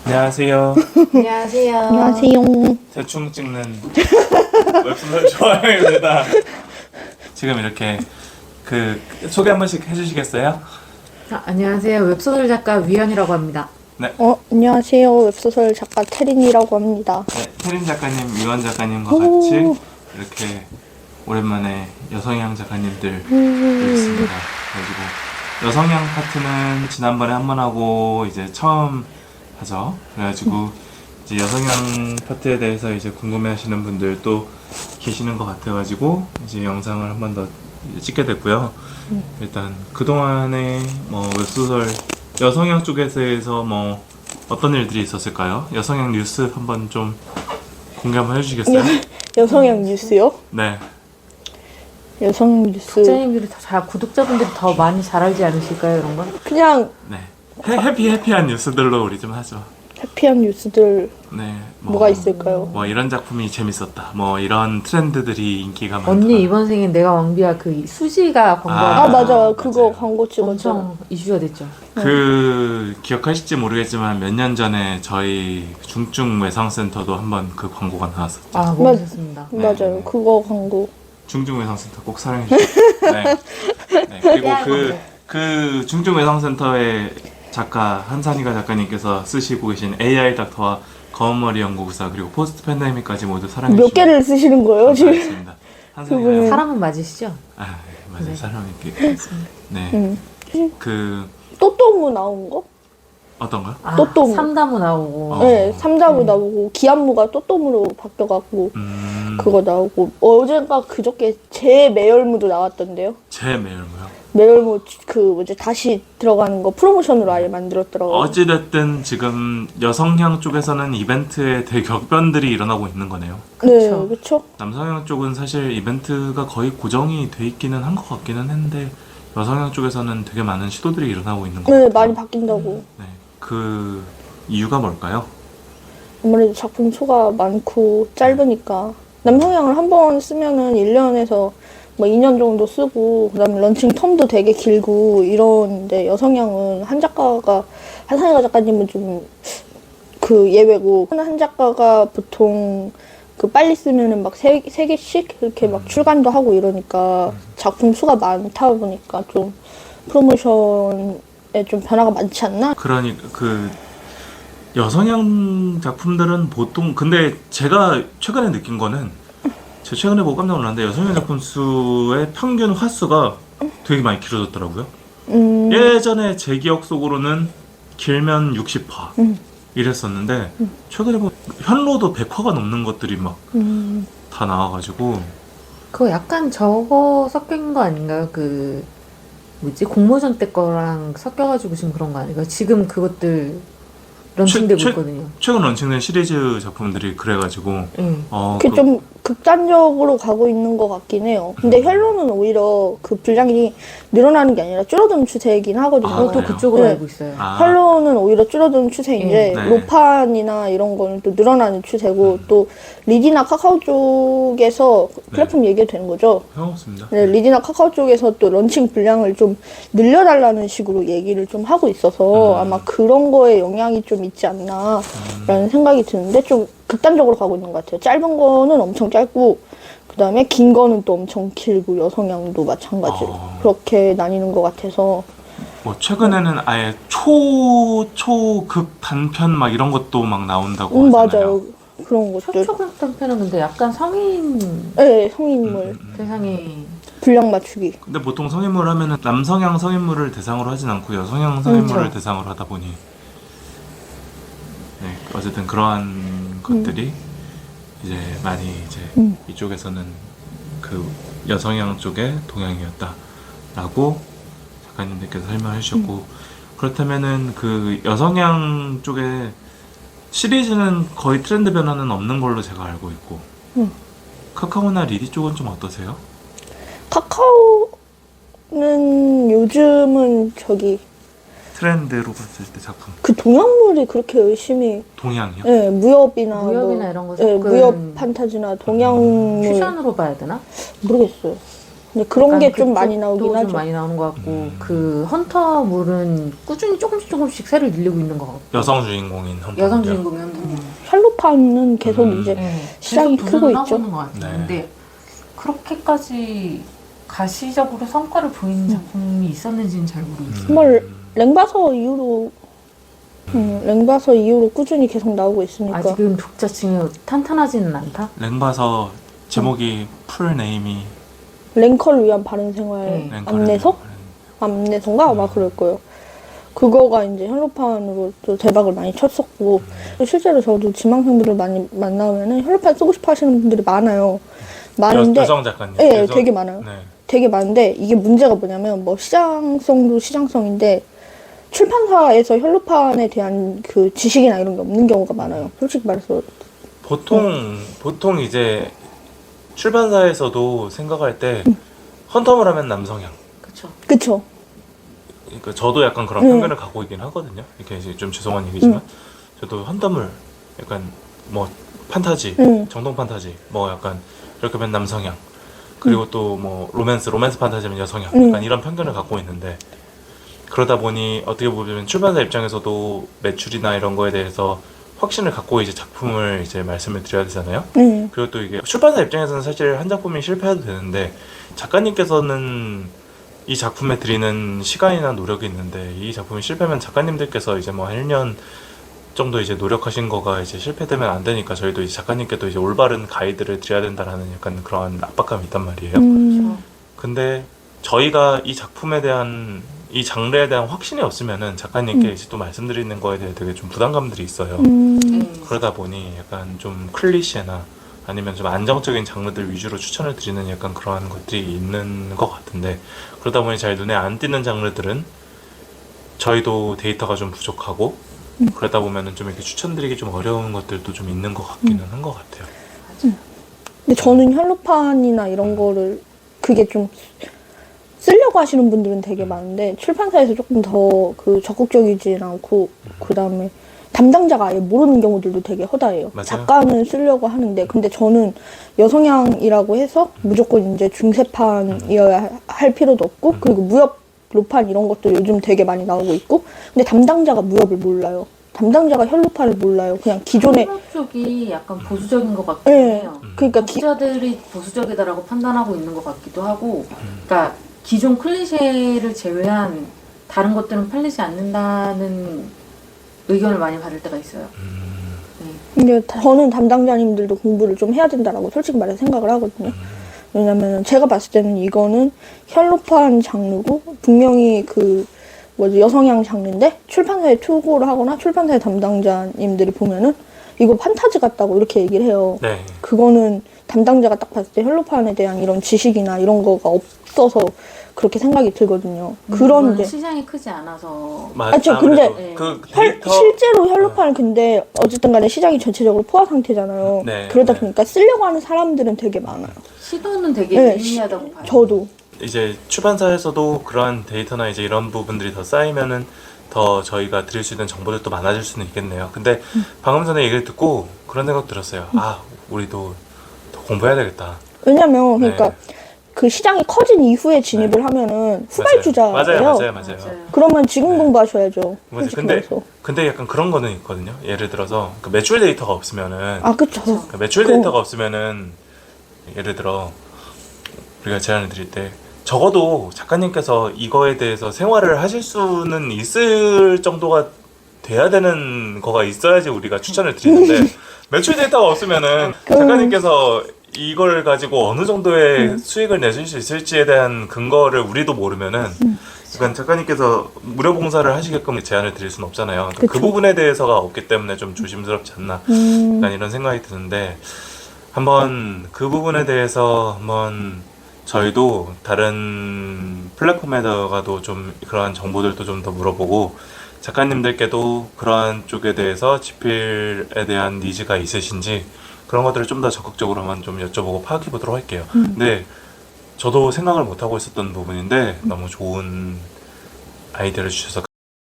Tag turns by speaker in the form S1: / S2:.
S1: 안녕하세요.
S2: 안녕하세요.
S3: 안녕하세요.
S1: 대충 찍는 웹소설 좋아요입니다. 지금 이렇게 소개 한 번씩 해주시겠어요?
S2: 안녕하세요. 웹소설 작가 위연이라고 합니다.
S3: 안녕하세요. 웹소설 작가 태린이라고 합니다.
S1: 네, 태린 작가님, 위원 작가님과 같이 이렇게 오랜만에 여성향 작가님들 있습니다. 그래가지고 여성향 파트는 지난번에 한 번 하고 이제 처음 하죠. 그래가지고 이제 여성향 파트에 대해서 이제 궁금해하시는 분들 또 계시는 것 같아가지고 이제 영상을 한 번 더 찍게 됐고요. 일단 그동안에 뭐 웹소설 여성향 쪽에서 뭐 어떤 일들이 있었을까요? 여성향 뉴스 한번 좀 공개 한번 해주시겠어요?
S3: 여성향 뉴스요?
S1: 네.
S3: 여성 뉴스.
S2: 국장님들이 구독자분들이 더 많이 잘 알지 않으실까요, 이런 건?
S3: 그냥
S1: 네. 해피한 뉴스들로 우리 좀 하죠.
S3: 해피한 뉴스들
S1: 네.
S3: 뭐가 있을까요?
S1: 뭐 이런 작품이 재밌었다. 뭐 이런 트렌드들이 인기가 많다.
S2: 언니 이번 생엔 내가 왕비야 그 수지가 광고한
S3: 아 맞아. 그거
S1: 맞아요.
S3: 광고 찍었죠.
S2: 엄청 이슈가 됐죠.
S1: 기억하실지 모르겠지만 몇 년 전에 저희 중증 외상센터도 한번 그 광고가 나왔었죠.
S2: 아, 멋있었습니다.
S1: 네.
S3: 맞아요. 그거 광고.
S1: 중증 외상센터 꼭 사랑해 주세요. 네. 네. 그리고 그 중증 외상센터의 작가 한산이가 작가님께서 쓰시고 계신 AI 닥터와 검은머리 연구사 그리고 포스트 팬데믹까지 모두 사랑해
S3: 몇
S1: 주시면
S3: 개를 쓰시는 거예요 지금?
S1: 감사하겠습니다. 한산이가
S3: 그분은-
S2: 사람은 맞으시죠?
S1: 아 맞아요.
S2: 네.
S1: 사람이 이렇게 네. 그
S3: 또또무 나온 거?
S1: 어떤 거요?
S2: 아,
S3: 또또무.
S2: 삼다무 나오고.
S3: 네, 삼자부 나오고 기안무가 또또무로 바뀌어갖고 그거 나오고 어젠가 그저께 제 매열무도 나왔던데요.
S1: 제 매일모요.
S3: 매열무 다시 들어가는 거 프로모션으로 아예 만들었더라고요.
S1: 어찌됐든 지금 여성향 쪽에서는 이벤트에 대격변들이 일어나고 있는 거네요.
S3: 네,
S2: 그쵸.
S3: 그렇죠.
S1: 남성향 쪽은 사실 이벤트가 거의 고정이 돼 있기는 한 것 같기는 한데 여성향 쪽에서는 되게 많은 시도들이 일어나고 있는 것
S3: 네,
S1: 같아요.
S3: 많이 바뀐다고.
S1: 네. 그 이유가 뭘까요?
S3: 아무래도 작품 수가 많고 짧으니까 남성향을 한 번 쓰면은 1년에서 뭐 2년 정도 쓰고 그다음에 런칭 텀도 되게 길고 이런데 여성향은 한산이가 작가님은 좀 그 예외고 한 작가가 보통 그 빨리 쓰면은 막 세 개씩 이렇게 막 출간도 하고 이러니까 작품 수가 많다 보니까 좀 프로모션에 좀 변화가 많지 않나?
S1: 그러니 그 여성향 작품들은 보통 근데 제가 최근에 느낀 거는 제가 최근에 보고 깜짝 놀랐는데 여성향 작품 수의 평균 화수가 되게 많이 길어졌더라고요. 예전에 제 기억 속으로는 길면 60화 이랬었는데 최근에 보면 현로도 100화가 넘는 것들이 막 다 나와가지고
S2: 그거 약간 저거 섞인 거 아닌가요? 그 뭐지? 공모전 때 거랑 섞여가지고 지금 그런 거 아닌가요? 지금 그것들 런칭되고 있거든요.
S1: 최근 런칭된 시리즈 작품들이 그래가지고
S2: 응.
S3: 그게 좀 극단적으로 가고 있는 것 같긴 해요. 근데 헬로는 오히려 그 분량이 늘어나는 게 아니라 줄어드는 추세이긴 하거든요.
S1: 아,
S2: 저도
S1: 그래요?
S2: 그쪽으로
S3: 네.
S2: 알고 있어요.
S3: 헬로는 오히려 줄어드는 추세인데
S1: 네.
S3: 로판이나 이런 거는 또 늘어나는 추세고 또 리디나 카카오 쪽에서 플랫폼 얘기가 되는 거죠.
S1: 상관없습니다.
S3: 네, 리디나 카카오 쪽에서 또 런칭 분량을 좀 늘려달라는 식으로 얘기를 좀 하고 있어서 아마 그런 거에 영향이 좀 있지 않나라는 생각이 드는데 좀 극단적으로 가고 있는 것 같아요. 짧은 거는 엄청 짧고 그 다음에 긴 거는 또 엄청 길고 여성향도 마찬가지로 그렇게 나뉘는 것 같아서
S1: 뭐 최근에는 아예 초극 단편 막 이런 것도 막 나온다고 하잖아요.
S3: 맞아요. 그런 것들.
S2: 초초극 단편은 근데 약간 성인
S3: 네, 성인물
S2: 대상이
S3: 분량 맞추기.
S1: 근데 보통 성인물 하면은 남성향 성인물을 대상으로 하진 않고 여성향 성인물을
S2: 그렇죠.
S1: 대상으로 하다 보니 네, 어쨌든 그러한 것들이 이제 많이 이제 이쪽에서는 그 여성향 쪽의 동향이었다라고 작가님들께서 설명해 주셨고 그렇다면은 그 여성향 쪽에 시리즈는 거의 트렌드 변화는 없는 걸로 제가 알고 있고 카카오나 리디 쪽은 좀 어떠세요?
S3: 카카오는 요즘은
S1: 트렌드로 봤을 때 작품
S3: 그 동양물이 그렇게 열심히
S1: 동향이요?
S3: 네, 무협이나
S2: 무협이나 이런 거
S3: 네,
S2: 섞은
S3: 무협 판타지나 동양물
S2: 퓨전으로 봐야 되나?
S3: 모르겠어요. 근데 그런 게 좀
S2: 그쪽도
S3: 많이 나오긴
S2: 좀
S3: 하죠.
S2: 많이 나오는 것 같고 그 헌터물은 꾸준히 조금씩 새를 늘리고 있는 것 같고
S1: 여성 주인공인 헌터.
S2: 여성 주인공이 헌터물.
S3: 샬로판은 계속 이제
S2: 네,
S3: 시장이
S2: 계속
S3: 크고
S2: 도전을
S3: 있죠.
S2: 하고 있는 것 같아요.
S1: 네.
S2: 근데 그렇게까지 가시적으로 성과를 보이는 작품이 있었는지는 잘 모르겠어요.
S3: 정말 랭바서 이후로 랭바서 이후로 꾸준히 계속 나오고 있으니까
S2: 아직은 독자층이 탄탄하지는 않다.
S1: 랭바서 제목이 풀 네임이
S3: 랭커를 위한 바른 생활
S2: 네.
S3: 안내서? 안내서인가? 아마 그럴 거예요. 그거가 이제 혈로판으로 또 대박을 많이 쳤었고 실제로 저도 지망생분들 많이 만나면은 혈로판 쓰고 싶어 하시는 분들이 많아요. 많은데
S1: 여성 작가님.
S3: 네, 되게 많아요.
S1: 네.
S3: 되게 많은데 이게 문제가 뭐냐면 뭐 시장성도 시장성인데 출판사에서 혈로판에 대한 그 지식이나 이런 게 없는 경우가 많아요. 솔직히 말해서
S1: 보통 이제 출판사에서도 생각할 때 헌터물 하면 남성향.
S2: 그렇죠.
S3: 그쵸?
S1: 그러니까 저도 약간 그런 편견을 갖고 있긴 하거든요. 이렇게 이제 좀 죄송한 얘기지만 저도 헌터물 약간 뭐 판타지, 정동 판타지, 뭐 약간 이렇게 하면 남성향. 그리고 또 뭐 로맨스 판타지면 여성향. 약간 이런 편견을 갖고 있는데 그러다 보니 어떻게 보면 출판사 입장에서도 매출이나 이런 거에 대해서 확신을 갖고 이제 작품을 이제 말씀을 드려야 되잖아요. 그리고 또 이게 출판사 입장에서는 사실 한 작품이 실패해도 되는데 작가님께서는 이 작품에 드리는 시간이나 노력이 있는데 이 작품이 실패하면 작가님들께서 이제 뭐 한 1년 정도 이제 노력하신 거가 이제 실패되면 안 되니까 저희도 이제 작가님께도 이제 올바른 가이드를 드려야 된다라는 약간 그런 압박감이 있단 말이에요.
S2: 그렇죠.
S1: 근데 저희가 이 작품에 대한 이 장르에 대한 확신이 없으면은 작가님께 이제 또 말씀드리는 거에 대해 되게 좀 부담감들이 있어요. 그러다 보니 약간 좀 클리셰나 아니면 좀 안정적인 장르들 위주로 추천을 드리는 약간 그러한 것들이 있는 것 같은데 그러다 보니 잘 눈에 안 띄는 장르들은 저희도 데이터가 좀 부족하고 그러다 보면은 좀 이렇게 추천드리기 좀 어려운 것들도 좀 있는 것 같기는 한 것 같아요.
S3: 근데 저는 혈로판이나 이런 거를 그게 좀 쓰려고 하시는 분들은 되게 많은데 출판사에서 조금 더 그 적극적이지 않고 그 다음에 담당자가 아예 모르는 경우들도 되게 허다해요.
S1: 맞아요.
S3: 작가는 쓰려고 하는데 근데 저는 여성향이라고 해서 무조건 이제 중세판이어야 할 필요도 없고 그리고 무협 로판 이런 것도 요즘 되게 많이 나오고 있고 근데 담당자가 무협을 몰라요. 담당자가 혈로판을 몰라요. 그냥 기존에
S2: 한국 쪽이 약간 보수적인 것 같긴
S3: 네,
S2: 해요.
S3: 그러니까
S2: 독자들이 보수적이다라고 판단하고 있는 것 같기도 하고, 그러니까 기존 클리셰를 제외한 다른 것들은 팔리지 않는다는 의견을 많이 받을 때가 있어요. 네.
S3: 근데 저는 담당자님들도 공부를 좀 해야 된다라고 솔직히 말해서 생각을 하거든요. 왜냐면 제가 봤을 때는 이거는 혈로판 장르고 분명히 그 뭐지 여성향 장르인데 출판사에 투고를 하거나 출판사의 담당자님들이 보면은 이거 판타지 같다고 이렇게 얘기를 해요.
S1: 네.
S3: 그거는 담당자가 딱 봤을 때 혈로판에 대한 이런 지식이나 이런 거가 없어서 그렇게 생각이 들거든요. 그런
S2: 그거는
S3: 이제
S2: 시장이 크지 않아서
S3: 저 근데
S1: 아무래도 그 데이터
S3: 실제로 혈로판은 근데 어쨌든 간에 시장이 전체적으로 포화 상태잖아요.
S1: 네,
S3: 그러다
S1: 네.
S3: 보니까 쓰려고 하는 사람들은 되게 많아요.
S2: 시도는 되게
S3: 네,
S2: 미미하다고 봐요.
S3: 저도.
S1: 이제 출판사에서도 그러한 데이터나 이제 이런 부분들이 더 쌓이면은 더 저희가 드릴 수 있는 정보들도 많아질 수는 있겠네요. 근데 방금 전에 얘기를 듣고 그런 생각 들었어요. 아, 우리도 더 공부해야 되겠다.
S3: 왜냐면 그러니까
S1: 네.
S3: 그 시장이 커진 이후에 진입을 하면은 후발주자예요.
S1: 맞아요.
S3: 그러면 지금
S1: 네.
S3: 공부하셔야죠.
S1: 맞아요.
S3: 솔직히
S1: 근데
S3: 말해서.
S1: 근데 약간 그런 거는 있거든요. 예를 들어서 그 매출 데이터가 없으면은
S3: 아 그쵸.
S1: 그 매출 데이터가 없으면은 예를 들어 우리가 제안을 드릴 때 적어도 작가님께서 이거에 대해서 생활을 하실 수는 있을 정도가 돼야 되는 거가 있어야지 우리가 추천을 드리는데 매출 데이터가 없으면은 작가님께서 이걸 가지고 어느 정도의 수익을 내실 수 있을지에 대한 근거를 우리도 모르면은 그러니까 작가님께서 무료 봉사를 하시게끔 제안을 드릴 수는 없잖아요. 그
S3: 그쵸.
S1: 부분에 대해서가 없기 때문에 좀 조심스럽지 않나 약간 이런 생각이 드는데 한번 그 부분에 대해서 한번 저희도 다른 플랫폼에다가도 좀 그러한 정보들도 좀 더 물어보고 작가님들께도 그러한 쪽에 대해서 집필에 대한 니즈가 있으신지 그런 것들을 좀 더 적극적으로 한번 좀 여쭤보고 파악해 보도록 할게요. 근데 저도 생각을 못 하고 있었던 부분인데 너무 좋은 아이디어를 주셔서